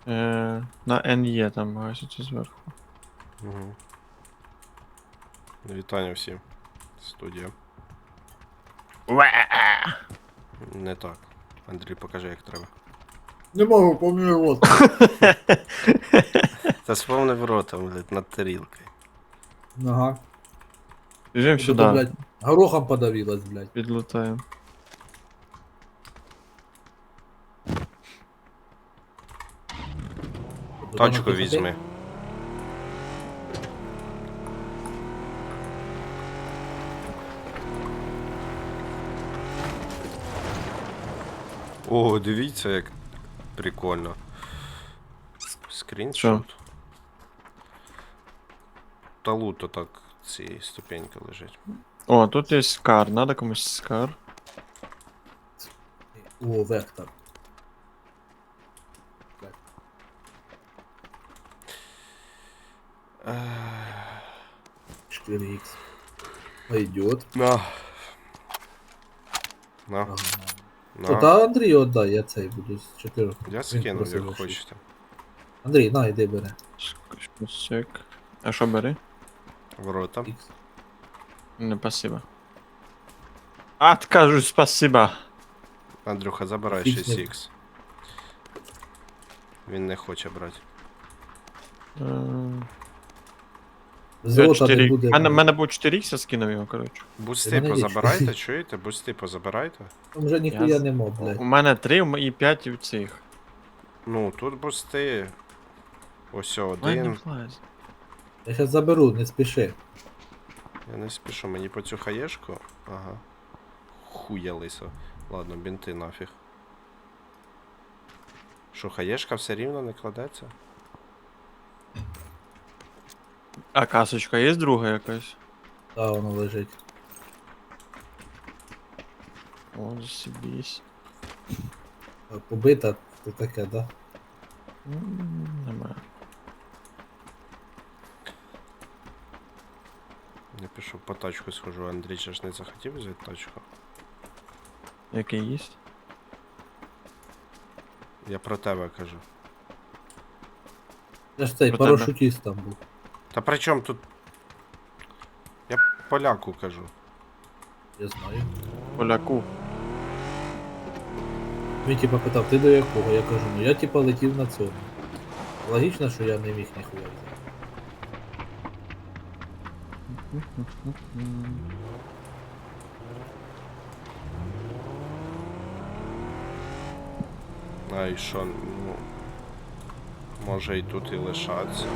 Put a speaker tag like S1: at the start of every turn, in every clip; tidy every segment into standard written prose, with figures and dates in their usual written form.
S1: На НЕ там гаситься зверху.
S2: Угу. Вітання всім. Студія. Не так. Андрій, покажи, як треба.
S3: Не можу, помню рот.
S2: Та сповнив ротом, блядь, над тарілкою.
S3: Ага.
S1: Біжим
S3: Тут,
S1: сюди,
S3: блядь, горохом подавилась, блядь.
S1: підлутаємо.
S2: Тачку візьми. О, дивіться, як прикольно. Скріншот. Та луто так цієї ступеньки лежить.
S1: О, тут є скар, надо комусь скар.
S3: О, вектор. 4х. Пойдет.
S2: На. На.
S3: Ага.
S2: На.
S3: Та Андрію отдай, я цей буду з 4.
S2: Я скину, як хочете.
S3: Андрій, на, йди бери.
S1: Чек. А що бери?
S2: Ворота.
S3: Ікс.
S1: Не, спасибо. Откажусь, спасибо.
S2: Андрюха, забирай
S3: Фікс не-
S2: 6х. Він не хоче брати.
S3: Золота не буде.
S1: Мене був 4х, я скинув його, коротше.
S2: Бусти
S3: мене є
S2: позабирайте,
S3: 4.
S2: чуєте? Бусти позабирайте.
S3: Там вже ніхуя нема, блядь.
S1: У мене 3 і 5 в цих.
S2: Ну, тут бусти. Ось
S1: Ай, не
S2: один.
S1: влазь.
S3: Я щас заберу, не спіши.
S2: Я не спішу, мені по цю хаєшку. Ага. Хуя лисо. Ладно, бінти нафіг. Що, хаєшка все рівно не кладеться?
S1: А касочка є друга якась?
S3: Та воно лежить.
S1: О, засібісь.
S3: Побита, то таке, да?
S1: Немає.
S2: Я пішов по тачку схожу, Андрій же ж не захотів взяти тачку.
S1: Який є?
S2: Я про тебе кажу.
S3: Я ж цей
S1: Про
S3: парашутіст там був.
S2: Та при чому тут? Я поляку кажу.
S3: Я знаю.
S1: Поляку.
S3: Він типа питав, ти до якого? Я кажу, ну я типа летів на цьому. Логічно, що я не міг ніхуя взяти.
S2: А і що, ну. Може і тут і лишатися.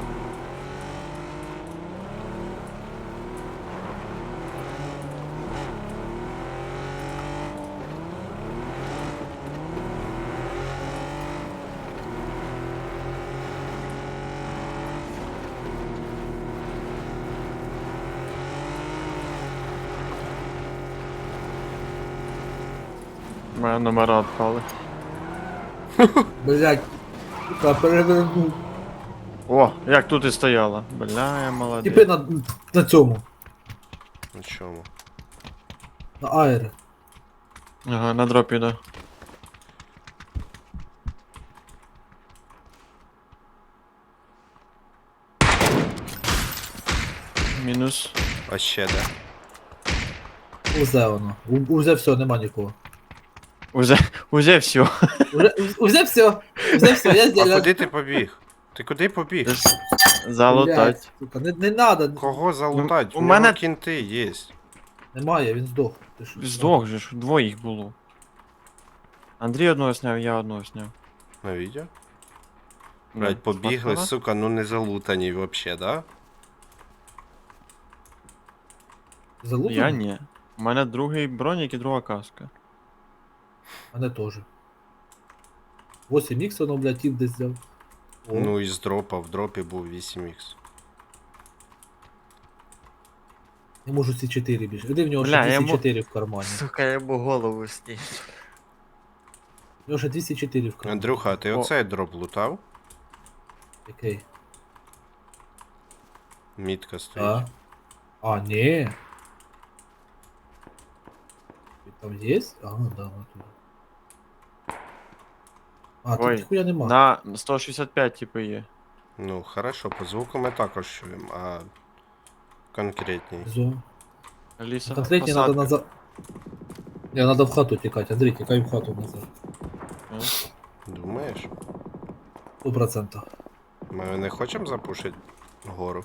S1: У мене номера відпали.
S3: Блять, сука, перевернув.
S1: О, як тут і стояла. Бля, я молодець.
S3: Типи на цьому.
S2: На чому?
S3: На аеро.
S1: Ага, на дропі, да. Мінус.
S2: А ще де?
S3: Узе воно. Узе все, нема нікого.
S1: Уже все.
S3: Узе все. Узе все, я
S2: А
S3: здесь.
S2: куди ти побіг? Ти куди побіг?
S1: Залутать.
S3: Сука, не надо.
S2: Кого залутать?
S1: у
S2: У
S1: мене-
S2: мене кінти є.
S3: Немає, він здох. Ти що?
S1: Здох же ж, двоїх було. Андрій одного сняв, я одного сняв.
S2: На відео?
S1: Ну,
S2: Блять, побігли,
S1: смартфона?
S2: сука, ну не залутані вообще, да?
S3: Залутаний?
S1: Я ні. У мене другий бронік і друга каска.
S3: Мене теж. 8 х воно, блядь, тіп десь взяв. О,
S2: Ну і з дропа, в дропі був 8х.
S3: не можу ці 4 більше. Іди в нього
S1: Бля,
S3: ще
S1: я
S3: 204 в кармані.
S1: Сука, я йому голову сніг.
S3: У нього ще 204 в кармані.
S2: Андрюха, а ти
S1: О.
S2: оцей дроп лутав?
S3: Який?
S2: Мітка стоїть.
S3: А, ні. Він там є? А, да, вот тут. А, тут
S1: Ой,
S3: ніхуя нема.
S1: на 165 типу є.
S2: Ну, хорошо, по звуку ми також чуємо, а конкретній.
S3: Зум.
S1: Ліса,
S3: Конкретні треба
S1: посадка.
S3: назад. Не, надо в хату тікати. Андрій, тікай в хату назад.
S2: Думаєш?
S3: 100%.
S2: Ми не хочемо запушити гору?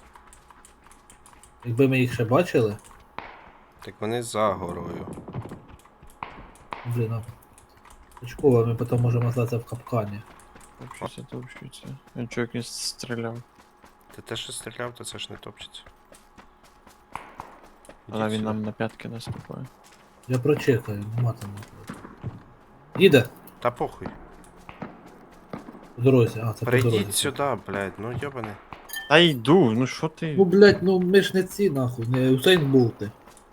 S3: Якби ми їх ще бачили,
S2: Так вони за горою.
S3: блін, а. Очково, ми потім можемо остатися в капкані.
S1: Топчеться. Він чувак не стріляв.
S2: Ти те, що стріляв, то це ж не топчеться.
S1: Але
S2: Ідіть
S1: він
S2: сюди.
S1: нам на п'ятки наступає.
S3: Я прочекаю, нема там нікого. Їде
S2: Та похуй.
S3: по дорозі, а, це по дорозі.
S2: Прийдіть сюди, блядь, ну йобаний.
S1: Та йду, ну що ти?
S3: Ну, блядь, ну ми ж не ці, нахуй, не Усейн Болти.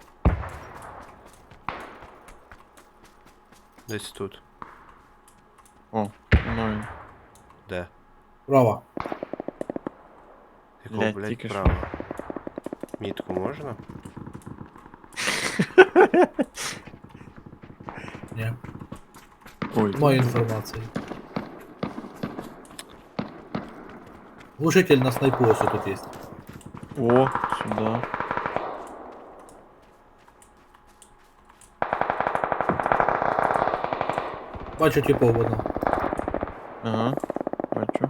S2: Десь тут.
S1: О, ну він.
S2: Де?
S3: Право.
S2: Якого,
S1: Блядь,
S2: блядь,
S1: тільки що.
S2: право? Мітку можна?
S3: Ні.
S1: Ой,
S3: Маю інформації. Глушитель на снайпу ось тут є.
S1: О, сюди.
S3: Бачу типов воно.
S1: Ага, бачу.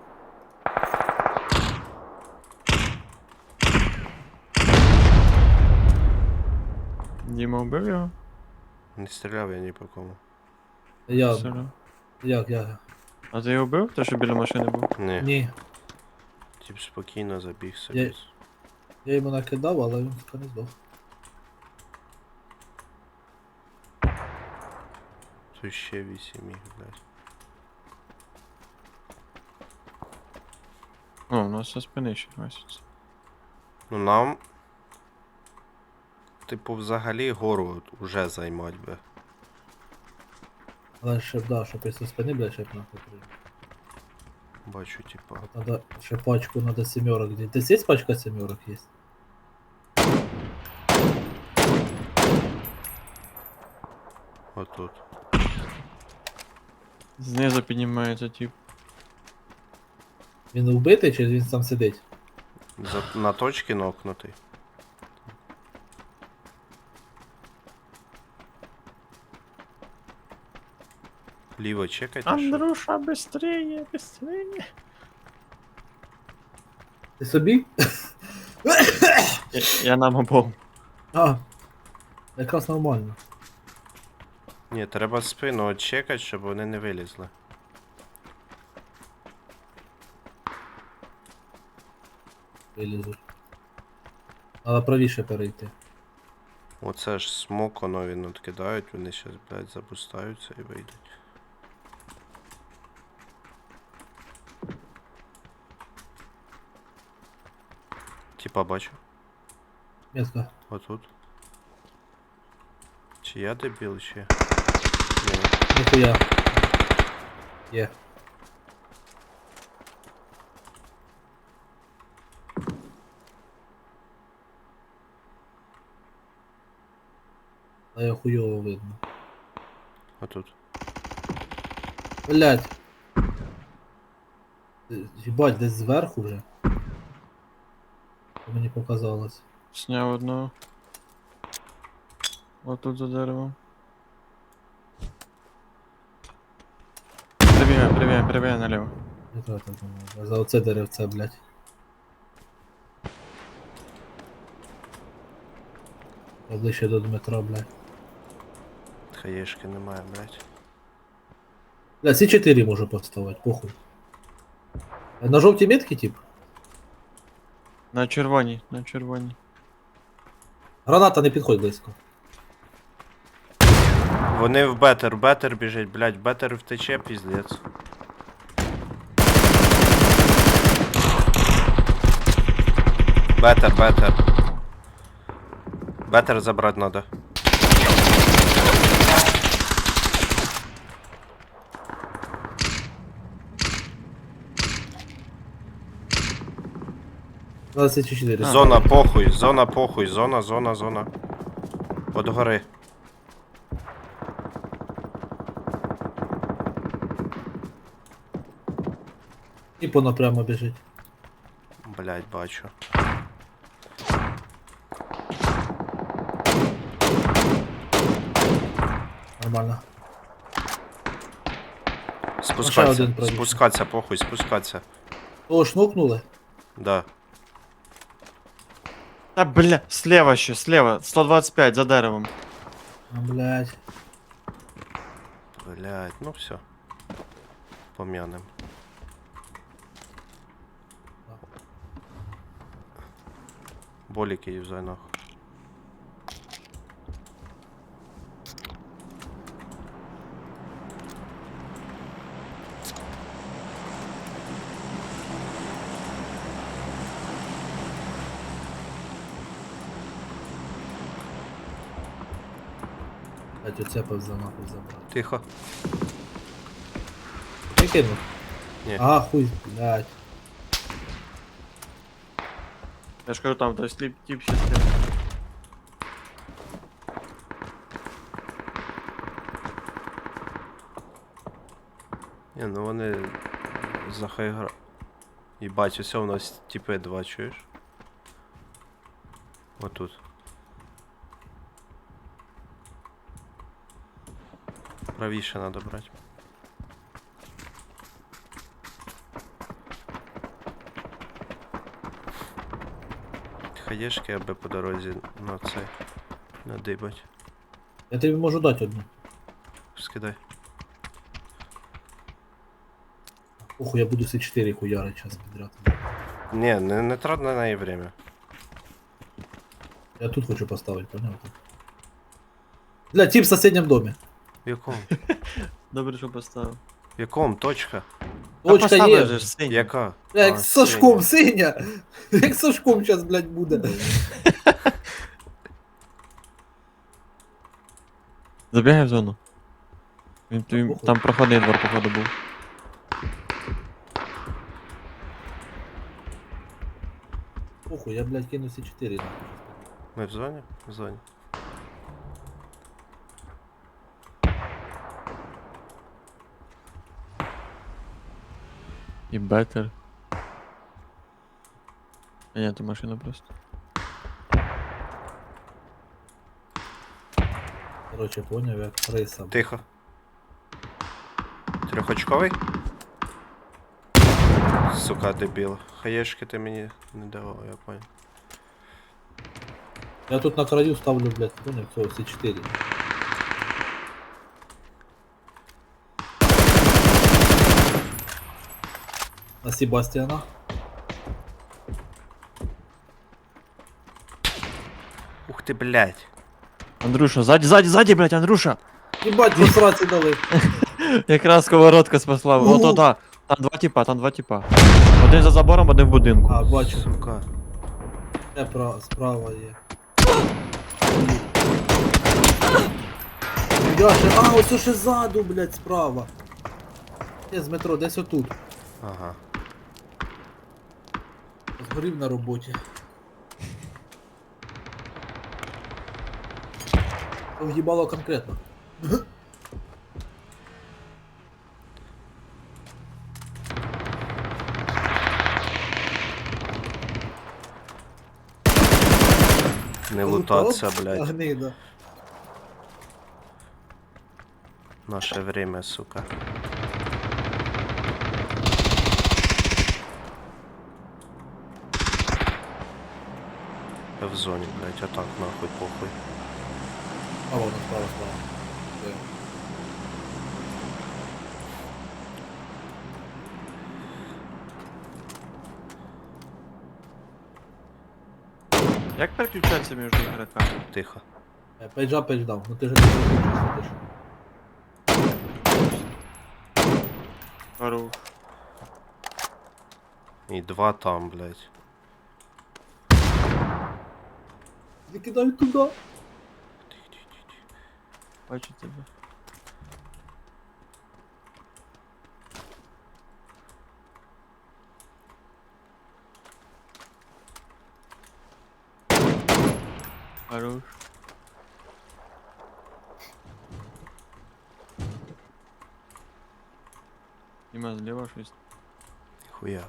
S1: Діма вбив його?
S2: Не стріляв я ні по кому.
S3: Я.
S1: Стріляв.
S3: Як?
S1: А ти його вбив? Те, що біля машини був?
S2: Ні.
S3: Ні.
S2: Тип спокійно забіг собі.
S3: Я- Я йому накидав, але він так не здох.
S2: Тут ще 8 їх, блядь.
S1: О, у нас со спини ще гаситься.
S2: Ну нам. Типу, взагалі гору от уже займать би.
S3: Але ще б, да, щоб після спини, блядь, ще б нахуй прийняв.
S2: Бачу, типа.
S3: Надо ще пачку, надо семерок. Десь є пачка семерок є?
S2: Отут.
S1: Знизу піднімається тип.
S3: Він вбитий чи він там сидить?
S2: На точці нокнутий. Ліво чекайте. що-
S1: Андруша, быстрее, быстрее.
S3: Ти собі?
S1: Я нам обом.
S3: А, якраз нормально.
S2: Ні, треба спину от чекати, щоб вони не вилізли.
S3: Вилізуть. Треба правіше перейти.
S2: Оце ж смок, воно він откидають, вони щас, блядь, запускаються і вийдуть. Типа бачу.
S3: Метка.
S2: Отут. Чи я дебіл, чи? Ні.
S3: Ніхуя. Є. А я хуйово видно.
S2: Отут.
S3: Блять. Ебать, десь зверху вже. Мені показалось.
S1: Сняв одного. Отут за деревом. Прибігай наліво.
S3: Не треба так думати. А за оце деревце, блять. Ближче до Дмитра, блять.
S2: Хаєшки немає, блядь.
S3: Бля, ці 4 можу поставити, похуй. На жовтій метки, тип?
S1: На червоній, на червоній.
S3: Граната не підходь близько.
S2: Вони в бетер біжить, блядь, бетер втече, піздець. Бетер. Бетер забрать надо.
S3: На 4.
S2: Зона похуй, зона. От гори.
S3: І воно прямо біжить.
S2: Блять, бачу.
S3: Нормально.
S2: Спускатися,
S3: один правіше.
S2: спускатися, похуй, спускатися.
S3: О, шнукнули?
S2: Да.
S1: Та бля, слева ще, слева. 125 за деревом.
S3: А, блядь.
S2: Блять, ну все. Пом'янем. Боліки юзай нахуй.
S3: Блядь, оцепив за нахуй забрав.
S2: Тихо.
S3: Ти кинув?
S2: Ні.
S3: А, хуй, блядь.
S1: Я ж кажу, там той сліп тип ще слева.
S2: Ні, ну вони захайгра. Їбать, усе у нас типи два, чуєш? Отут. Правіше надо брати. Хаєшки, аби по дорозі на цей надибать.
S3: Я тобі можу дати одну.
S2: Скидай.
S3: Оху, я буду всі 4 хуяри час підряд.
S2: Ні, не трать на неї время.
S3: Я тут хочу поставити, поняв? Бля, тип в соседнем домі.
S2: В якому?
S1: Добре, що поставив.
S2: В якому? Точка?
S3: Точка
S1: поставив
S3: є.
S1: же ж синій.
S2: Яка?
S3: Бля, як
S2: А,
S3: з Сашком,
S2: синя.
S3: синя. Як з Сашком зараз, блядь, буде.
S1: Забігай в зону.
S3: похуй.
S1: Там проходний двор, походу, був.
S3: Похуй, я, блядь, кину всі 4 нахуй.
S2: Ми в зоні? В зоні.
S1: І бетер. А ні, то машина просто.
S3: Короче, поняв, як риса.
S2: Тихо. Трьохочковий? Сука, дебіл. Хаєшки ти мені не давав, я понял.
S3: Я тут на краю ставлю, блядь, поняв, все, всі 4. На Себастьяна.
S2: Ух ти, блядь.
S1: Андрюша, ззаді, блядь, Андрюша!
S3: Ебать, по сраці дали.
S1: Якраз сковородка спасла.
S3: Ну.
S1: Ото да. Там два типа. Один за забором, один в будинку.
S3: А, бачу.
S2: Сука.
S3: Де справа є. Яше, а, оце ще ззаду, блядь, справа. Є з метро, десь отут.
S2: Ага.
S3: Згорів на роботі. В'їбало конкретно.
S2: Не лутаться, блядь.
S3: Гнида.
S2: Наше время, сука. Я в зоні, блядь, а так нахуй похуй.
S3: А вон, справа. Де?
S1: Як переключатися між ігроками?
S2: Тихо.
S3: Пейджа пейдж-даун, ну ти же не сидиш.
S1: Хорош.
S2: І два там, блядь.
S3: Не кидай туди.
S1: Бачу тебе. Хорош. Нема зліва щось.
S2: ніхуя.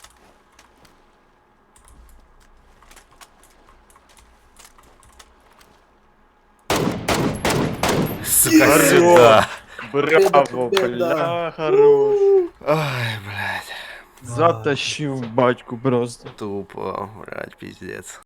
S2: Сука,
S1: Хорош.
S2: сюда.
S1: Браво, бля, хорош.
S2: Ай, блядь.
S1: Затащив батьку просто.
S2: Тупо, блядь, пиздец.